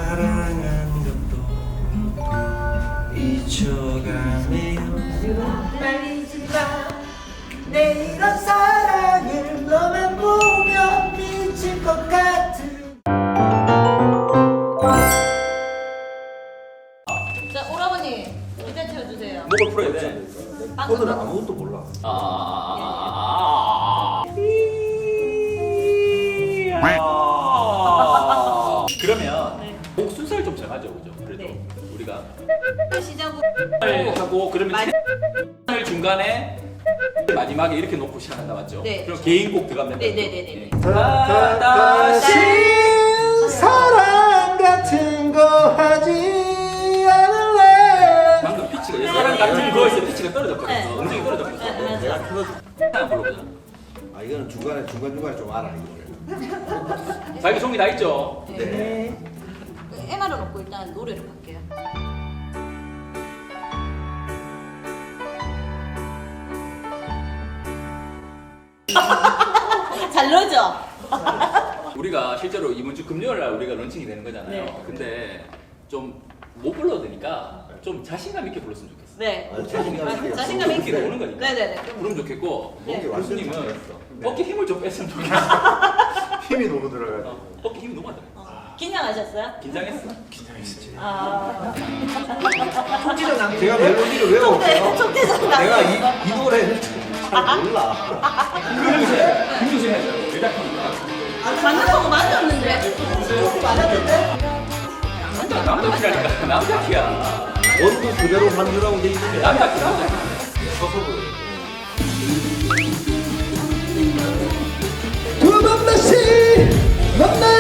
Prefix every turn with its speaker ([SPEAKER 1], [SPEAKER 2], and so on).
[SPEAKER 1] 사랑한 것도 잊혀가네요. 말리지 마. 내 이런 사랑을 너만 보면 미칠 것 같은.
[SPEAKER 2] 자, 오라버니 일단 채워주세요.
[SPEAKER 3] 목을 풀어야 돼.
[SPEAKER 1] 오늘은 아무것도 몰라.
[SPEAKER 3] 그러면
[SPEAKER 2] 네.
[SPEAKER 3] 목 순서를 좀 정하죠, 그죠? 그래도
[SPEAKER 2] 네.
[SPEAKER 3] 우리가
[SPEAKER 2] 시작으로
[SPEAKER 3] 하고 그러면 을 중간에 마지막에 이렇게 놓고 시작한다 맞죠?
[SPEAKER 2] 네.
[SPEAKER 3] 그럼 개인곡 들어가면
[SPEAKER 2] 네네네네.
[SPEAKER 3] 다시
[SPEAKER 1] 사랑 같은 거 하지 않을래.
[SPEAKER 3] 방금 피치가 사람 같은 거에서 피치가 떨어졌거든요.
[SPEAKER 2] 네.
[SPEAKER 3] 음정이 떨어졌거든요.
[SPEAKER 2] 네, 맞아.
[SPEAKER 3] 내가 틀어줘. 하나 불러보자.
[SPEAKER 1] 아 이거는 중간에 좀 알아 이거를.
[SPEAKER 3] 자기 종이 다 있죠?
[SPEAKER 1] 네.
[SPEAKER 2] MR을 놓고 일단 노래를 할게요. 잘 넣죠?
[SPEAKER 3] 우리가 실제로 이번 주 금요일 날 우리가 런칭이 되는 거잖아요.
[SPEAKER 2] 네.
[SPEAKER 3] 근데 좀 못 불러도 되니까 좀 자신감 있게 불렀으면 좋겠어.
[SPEAKER 2] 네.
[SPEAKER 1] 자신감 있게.
[SPEAKER 2] 자신감 있게.
[SPEAKER 3] 이렇게 오는 거니까.
[SPEAKER 2] 네네네.
[SPEAKER 3] 부르면 좋겠고
[SPEAKER 2] 네.
[SPEAKER 3] 교수님은
[SPEAKER 1] 네.
[SPEAKER 3] 어깨 힘을 좀 뺐으면 좋겠어.
[SPEAKER 1] 힘이 너무 들어가요.
[SPEAKER 3] 어깨 힘이 너무 안 들어.
[SPEAKER 2] 긴장하셨어요?
[SPEAKER 3] 긴장했어?
[SPEAKER 2] 아.
[SPEAKER 1] 제가 멜로디를 외워올게요.
[SPEAKER 2] 속대장
[SPEAKER 1] 내가 이 노래를 잘 몰라.
[SPEAKER 3] 김주신 해줘요. 일단 하니까.
[SPEAKER 2] 맞는 거고 맞았는데. 맞았는데?
[SPEAKER 3] 남자 키라니까. 남자 키야.
[SPEAKER 1] 원고 그대로 만들라고 돼 있는데.
[SPEAKER 3] 남자 키, 남자 키.
[SPEAKER 1] 두 번 다시 만나